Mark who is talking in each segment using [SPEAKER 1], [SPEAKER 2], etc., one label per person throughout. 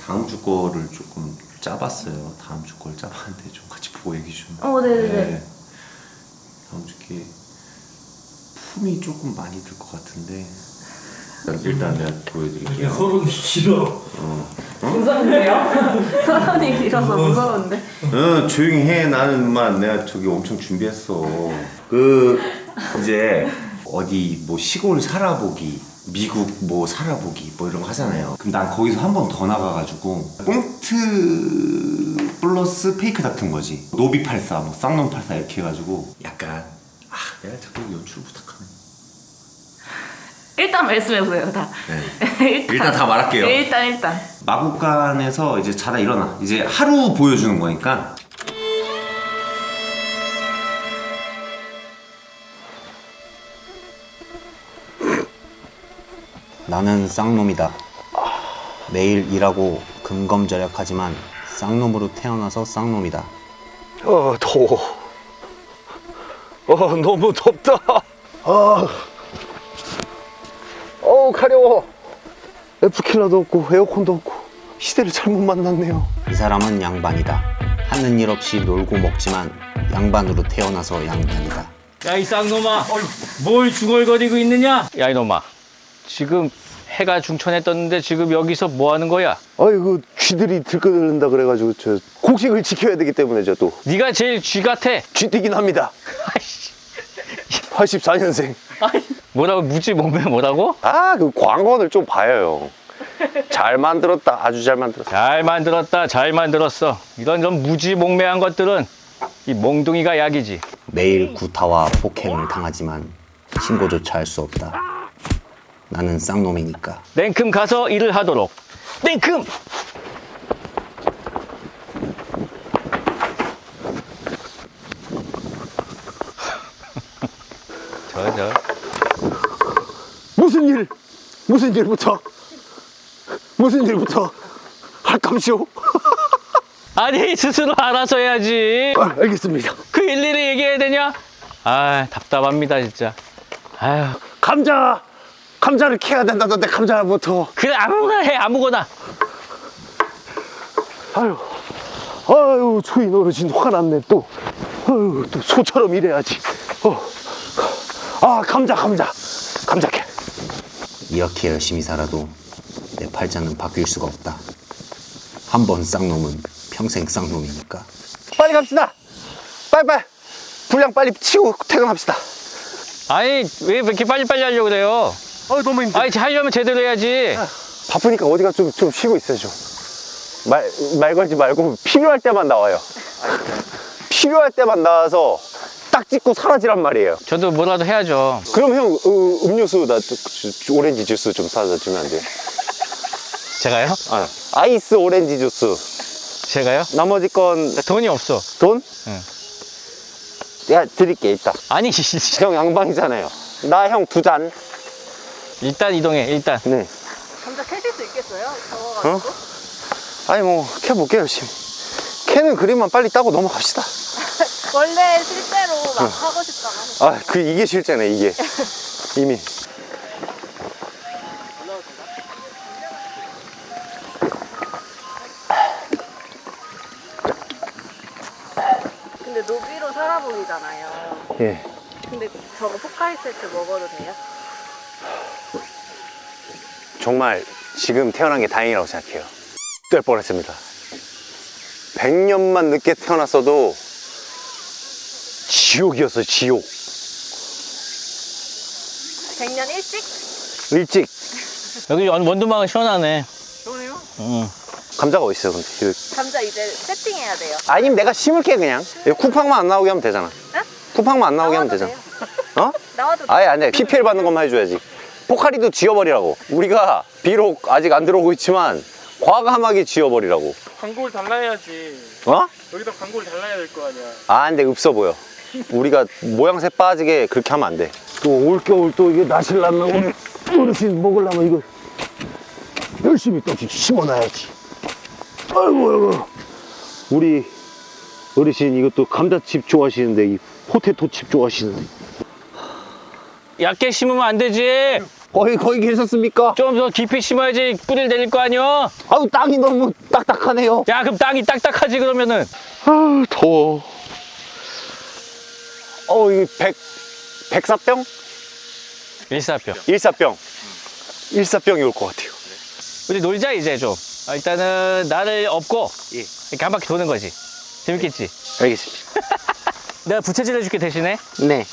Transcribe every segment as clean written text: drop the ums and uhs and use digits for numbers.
[SPEAKER 1] 다음 주 거를 조금 짜봤어요. 다음 주 걸 짜봤는데 좀 같이 보고 얘기 좀.
[SPEAKER 2] 네네네.
[SPEAKER 1] 네. 다음 주께 품이 조금 많이 들 것 같은데 일단 내가 보여드릴게요.
[SPEAKER 3] 서론이 길어.
[SPEAKER 2] 무서운데요? 서론이 길어서 무서운데.
[SPEAKER 1] 응, 조용히 해. 나는만 내가 저기 엄청 준비했어. 그 이제 어디 뭐 시골 살아보기, 미국 뭐 살아보기 뭐 이런 거 하잖아요. 그럼 난 거기서 한 번 더 나가가지고 꽁트 플러스 페이크 다툰 거지. 노비팔사, 뭐 쌍놈팔사 이렇게 해가지고 약간 내가 자꾸 연출 부탁하네.
[SPEAKER 2] 일단 말씀해보세요, 다.
[SPEAKER 1] 네. 일단 다 말할게요.
[SPEAKER 2] 일단.
[SPEAKER 1] 마구간에서 이제 자다 일어나. 이제 하루 보여주는 거니까.
[SPEAKER 4] 나는 쌍놈이다. 매일 일하고 금검절약하지만 쌍놈으로 태어나서 쌍놈이다.
[SPEAKER 5] 더워. 너무 덥다. 가려워. 에프킬러도 없고 에어컨도 없고 시대를 잘못 만났네요.
[SPEAKER 4] 이 사람은 양반이다. 하는 일 없이 놀고 먹지만 양반으로 태어나서 양반이다.
[SPEAKER 3] 야, 이 쌍놈아. 뭘 중얼거리고 있느냐? 야, 이놈아. 지금 해가 중천에 떴는데 지금 여기서 뭐 하는 거야?
[SPEAKER 5] 아이고 쥐들이 들끓는다 그래가지고 저 곡식을 지켜야 되기 때문에 저 또
[SPEAKER 3] 네가 제일 쥐 같아.
[SPEAKER 5] 쥐뛰긴 합니다. 84년생.
[SPEAKER 3] 뭐라고 무지 몸매 뭐라고?
[SPEAKER 5] 그 광고를 좀 봐요. 잘 만들었다. 아주 잘 만들었다.
[SPEAKER 3] 잘 만들었다. 잘 만들었어. 이런 좀 무지몽매한 것들은 이 몽둥이가 약이지.
[SPEAKER 4] 매일 구타와 폭행을 당하지만 신고조차 할 수 없다. 나는 쌍놈이니까.
[SPEAKER 3] 냉큼 가서 일을 하도록. 냉큼! 저.
[SPEAKER 5] 무슨 일부터 할감시오.
[SPEAKER 3] 아니 스스로 알아서 해야지.
[SPEAKER 5] 알겠습니다.
[SPEAKER 3] 그 일일이 얘기해야 되냐? 답답합니다 진짜. 아휴.
[SPEAKER 5] 감자를 캐야 된다던데 감자부터.
[SPEAKER 3] 그래 아무거나 해 아무거나.
[SPEAKER 5] 아유 초인 어르신 화가 났네 또. 또 소처럼 일해야지. 감자 캐.
[SPEAKER 4] 이렇게 열심히 살아도 내 팔자는 바뀔 수가 없다. 한 번 쌍놈은 평생 쌍놈이니까.
[SPEAKER 5] 빨리 갑시다. 빨리 분량 빨리 치고 퇴근합시다.
[SPEAKER 3] 아니 왜 이렇게 빨리빨리 하려고 그래요?
[SPEAKER 5] 너무 힘들어.
[SPEAKER 3] 아니 하려면 제대로 해야지.
[SPEAKER 5] 바쁘니까 어디가 좀 쉬고 있어요 좀. 말 걸지 말고 필요할 때만 나와요. 필요할 때만 나와서 딱 찍고 사라지란 말이에요.
[SPEAKER 3] 저도 뭐라도 해야죠.
[SPEAKER 5] 그럼 형 음료수 나 오렌지 주스 좀 사다 주면 안 돼요?
[SPEAKER 3] 제가요?
[SPEAKER 5] 아이스 오렌지 주스.
[SPEAKER 3] 제가요?
[SPEAKER 5] 나머지 건
[SPEAKER 3] 돈이 없어.
[SPEAKER 5] 돈?
[SPEAKER 3] 응.
[SPEAKER 5] 내가 드릴게 이따.
[SPEAKER 3] 아니
[SPEAKER 5] 형 양방이잖아요. 나 형 2잔.
[SPEAKER 3] 일단 이동해 일단.
[SPEAKER 5] 네.
[SPEAKER 2] 감자 캐실 수 있겠어요? 더워가지고.
[SPEAKER 5] 아니 뭐 캐볼게 열심히. 캐는 그림만 빨리 따고 넘어갑시다.
[SPEAKER 2] 원래 실제로 막 하고 싶다고 하셨어요.
[SPEAKER 5] 이게 실제네 이게. 이미.
[SPEAKER 2] 근데 노비로 살아보기잖아요.
[SPEAKER 5] 예.
[SPEAKER 2] 근데 저거 포카리 세트 먹어도 돼요?
[SPEAKER 5] 정말 지금 태어난 게 다행이라고 생각해요. 될 뻔했습니다. 100년만 늦게 태어났어도 지옥이었어요, 지옥.
[SPEAKER 2] 100년 일찍?
[SPEAKER 5] 일찍.
[SPEAKER 3] 여기 원두막은 시원하네.
[SPEAKER 2] 좋아요.
[SPEAKER 3] 응.
[SPEAKER 5] 감자가 어딨어요, 근데?
[SPEAKER 2] 감자 이제 세팅해야 돼요.
[SPEAKER 5] 아니면 내가 심을게, 그냥. 쿠팡만 안 나오게 하면 되잖아.
[SPEAKER 2] 응?
[SPEAKER 5] 쿠팡만 안 나오게 하면
[SPEAKER 2] 나와도
[SPEAKER 5] 되잖아.
[SPEAKER 2] 돼요.
[SPEAKER 5] 어?
[SPEAKER 2] 나와도
[SPEAKER 5] 아니, PPL 받는 것만 해줘야지. 포카리도 지워버리라고. 우리가 비록 아직 안 들어오고 있지만 과감하게 지워버리라고.
[SPEAKER 6] 광고를 달라야지. 여기다 광고를 달라야 될 거 아니야.
[SPEAKER 5] 근데 없어 보여. 우리가 모양새 빠지게 그렇게 하면 안 돼. 또 올겨울 또 이게 나실라면 어르신 먹으려면 이거 열심히 또 심어놔야지. 아이고. 우리 어르신 이것도 감자칩 좋아하시는데 이 포테토칩 좋아하시는데.
[SPEAKER 3] 얇게 심으면 안 되지.
[SPEAKER 5] 거의 계셨습니까?
[SPEAKER 3] 좀 더 깊이 심어야지 뿌리를 내릴 거 아니야?
[SPEAKER 5] 아우, 땅이 너무 딱딱하네요.
[SPEAKER 3] 야, 그럼 땅이 딱딱하지 그러면은.
[SPEAKER 5] 아우, 더워. 이게 백사병?
[SPEAKER 3] 일사병.
[SPEAKER 5] 일사병이 올 것 같아요.
[SPEAKER 3] 우리 놀자 이제 좀. 일단은 나를 업고 이렇게 한 바퀴 도는 거지. 재밌겠지?
[SPEAKER 5] 알겠습니다.
[SPEAKER 3] 내가 부채질 해줄게 대신에.
[SPEAKER 5] 네.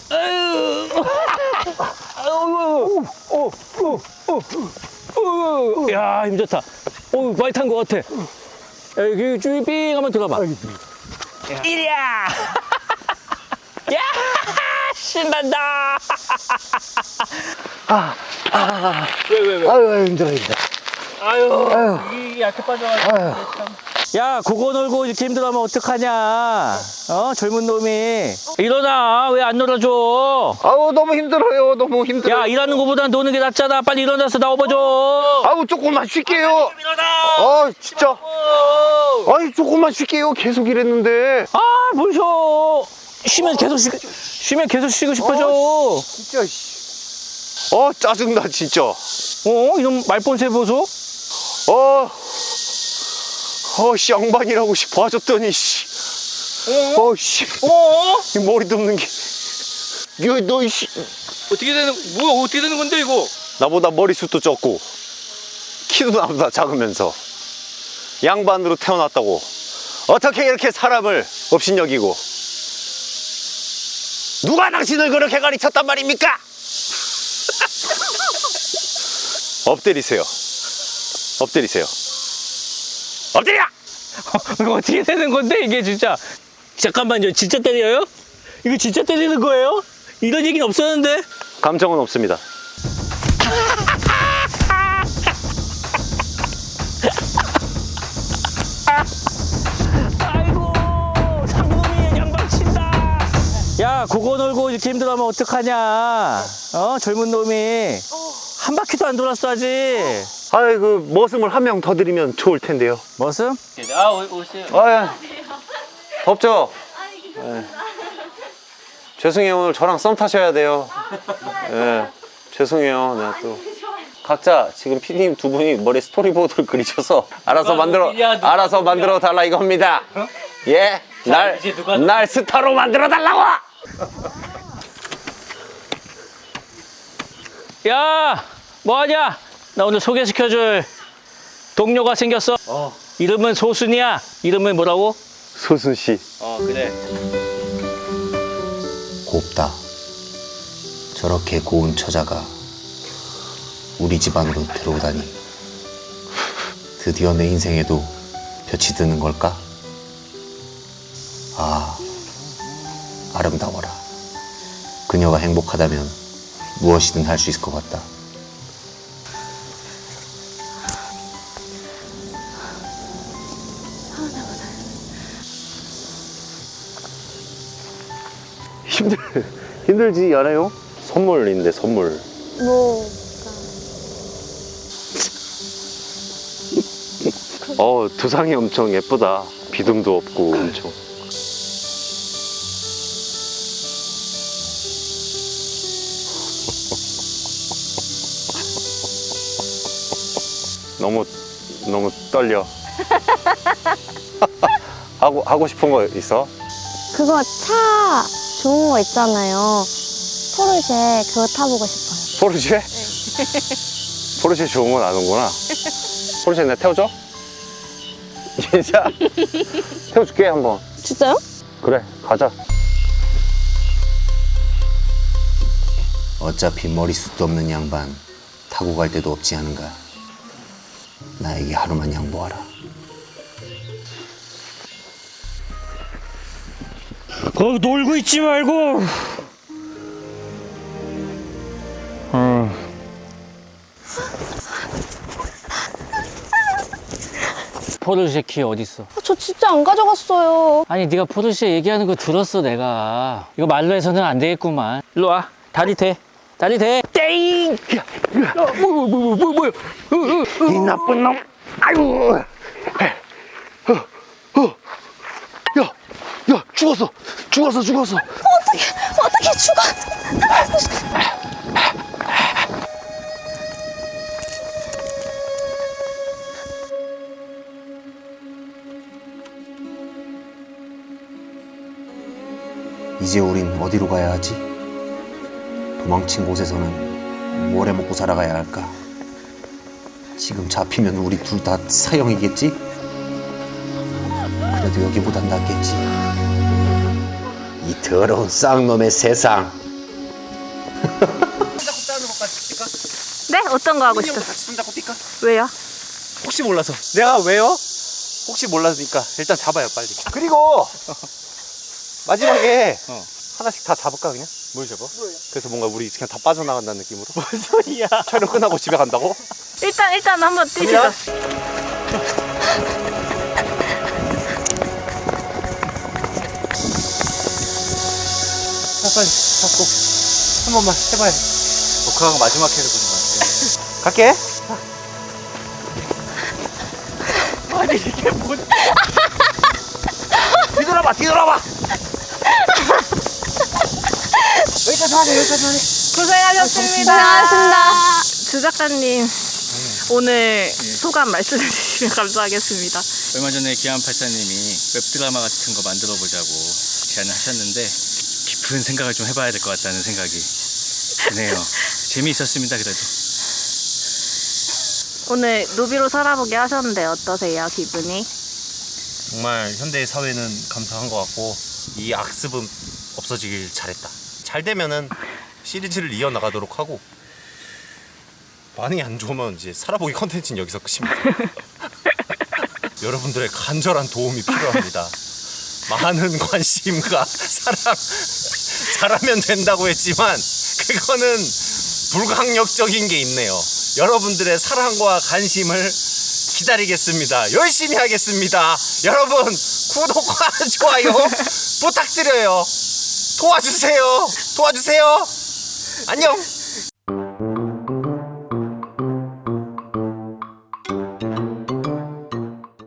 [SPEAKER 3] 야, 힘 좋다. 많이 탄 것 같아. 야, 여기 쭈빙 한번 들어봐. 이리야! 야! 신난다! 왜?
[SPEAKER 5] 아유, 힘들어.
[SPEAKER 3] 아유, 이 약해 빠져가지고. 야, 그거 놀고 이렇게 힘들어하면 어떡하냐? 젊은 놈이. 일어나. 왜 안 놀아줘?
[SPEAKER 5] 아우, 너무 힘들어요. 너무 힘들어요.
[SPEAKER 3] 야, 일하는 거보단 노는 게 낫잖아. 빨리 일어나서 나와봐줘.
[SPEAKER 5] 아우, 조금만 쉴게요.
[SPEAKER 3] 일어나.
[SPEAKER 5] 진짜. 아니, 조금만 쉴게요. 계속 이랬는데.
[SPEAKER 3] 아, 뭘 쉬어. 쉬면 계속 쉬고 싶어져.
[SPEAKER 5] 진짜, 짜증나, 진짜.
[SPEAKER 3] 이놈 말본새 보소.
[SPEAKER 5] 씨, 양반이라고 봐줬더니, 씨. 씨. 이 머리 덮는 게. 너, 씨.
[SPEAKER 3] 어떻게 되는 건데, 이거?
[SPEAKER 5] 나보다 머리숱도 적고, 키도 나보다 작으면서, 양반으로 태어났다고. 어떻게 이렇게 사람을 업신여기고, 누가 당신을 그렇게 가르쳤단 말입니까? 엎드리세요. 엎드려!
[SPEAKER 3] 이거 어떻게 되는 건데, 이게 진짜. 잠깐만요. 진짜 때려요? 이거 진짜 때리는 거예요? 이런 얘기는 없었는데?
[SPEAKER 5] 감정은 없습니다.
[SPEAKER 3] 아이고, 상놈이 양방 친다. 야, 그거 놀고 이렇게 힘들어하면 어떡하냐? 젊은 놈이. 한 바퀴도 안 돌았어, 아직.
[SPEAKER 5] 아이고, 머슴을 한 명 더 드리면 좋을 텐데요.
[SPEAKER 3] 머슴? 오세요.
[SPEAKER 5] 덥죠? 죄송해요. 오늘 저랑 썸 타셔야 돼요. 죄송해요. 내가 또. 각자 지금 PD님 두 분이 머리에 스토리보드를 그리셔서 알아서 만들어 달라 이겁니다. 예? 날 스타로 만들어 달라고!
[SPEAKER 3] 야, 뭐하냐? 나 오늘 소개시켜줄 동료가 생겼어. 이름은 소순이야. 이름은 뭐라고?
[SPEAKER 5] 소순 씨.
[SPEAKER 3] 그래.
[SPEAKER 4] 곱다. 저렇게 고운 처자가 우리 집안으로 들어오다니. 드디어 내 인생에도 볕이 드는 걸까? 아름다워라. 그녀가 행복하다면 무엇이든 할 수 있을 것 같다.
[SPEAKER 5] 힘들지 않아요? 선물인데, 선물. 두상이 엄청 예쁘다. 비듬도 없고 엄청. 너무 떨려. 하고 싶은 거 있어?
[SPEAKER 7] 그거 차 좋은 거 있잖아요. 포르쉐 그거 타보고 싶어요.
[SPEAKER 5] 포르쉐? 포르쉐 좋은 건 아는구나. 포르쉐 내가 태워줘? 진짜? 태워줄게 한번.
[SPEAKER 7] 진짜요?
[SPEAKER 5] 그래, 가자.
[SPEAKER 4] 어차피 머리숱도 없는 양반 타고 갈 데도 없지 않은가. 나에게 하루만 양보하라.
[SPEAKER 3] 놀고 있지 말고. 포르쉐 키 어딨어?
[SPEAKER 7] 저 진짜 안 가져갔어요.
[SPEAKER 3] 아니, 네가 포르쉐 얘기하는 거 들었어, 내가. 이거 말로 해서는 안 되겠구만. 일로 와. 다리 대. 땡! 뭐야.
[SPEAKER 5] 이 나쁜 놈. 아유. 야, 죽었어.
[SPEAKER 7] 어떻게 죽어?
[SPEAKER 4] 이제 우린 어디로 가야 하지? 도망친 곳에서는 뭘 해먹고 살아가야 할까? 지금 잡히면 우리 둘 다 사형이겠지? 그래도 여기보단 낫겠지. 이 더러운 쌍놈의 세상.
[SPEAKER 2] 네? 어떤 거 하고 싶어?
[SPEAKER 5] 손잡고 뛸까?
[SPEAKER 2] 왜요?
[SPEAKER 5] 혹시 몰라서. 내가 왜요? 혹시 몰라서니까 일단 잡아요 빨리. 그리고 마지막에 하나씩 다 잡을까 그냥? 뭘 잡아? 그래서 뭔가 우리 그냥 다 빠져나간다는 느낌으로. 뭔 소리야? 촬영 끝나고 집에 간다고?
[SPEAKER 2] 일단 한번 뛰시죠.
[SPEAKER 5] 갑니다. 자 빨리 잡고 한 번만 해봐요. 녹화가 마지막 회를 보는 것 같아요. 갈게. 아니 이게 뭔? 뒤돌아봐 뒤돌아봐. 여기까지 하자 여기까지 하자.
[SPEAKER 2] 고생하셨습니다.
[SPEAKER 7] 고생하셨습니다.
[SPEAKER 2] 주 작가님 오늘 소감 말씀해 주시면 감사하겠습니다.
[SPEAKER 3] 얼마 전에 기안84님이 웹드라마 같은 거 만들어 보자고 제안을 하셨는데 깊은 생각을 좀 해봐야 될 것 같다는 생각이 드네요. 재미있었습니다. 그래도.
[SPEAKER 2] 오늘 노비로 살아보게 하셨는데 어떠세요? 기분이?
[SPEAKER 5] 정말 현대 사회는 감사한 것 같고 이 악습은 없어지길 잘했다. 잘 되면은 시리즈를 이어나가도록 하고 반응이 안 좋으면 이제 살아보기 컨텐츠는 여기서 끝입니다. 여러분들의 간절한 도움이 필요합니다. 많은 관심과 사랑 잘하면 된다고 했지만 그거는 불강력적인 게 있네요. 여러분들의 사랑과 관심을 기다리겠습니다. 열심히 하겠습니다. 여러분 구독과 좋아요 부탁드려요. 도와주세요. 안녕.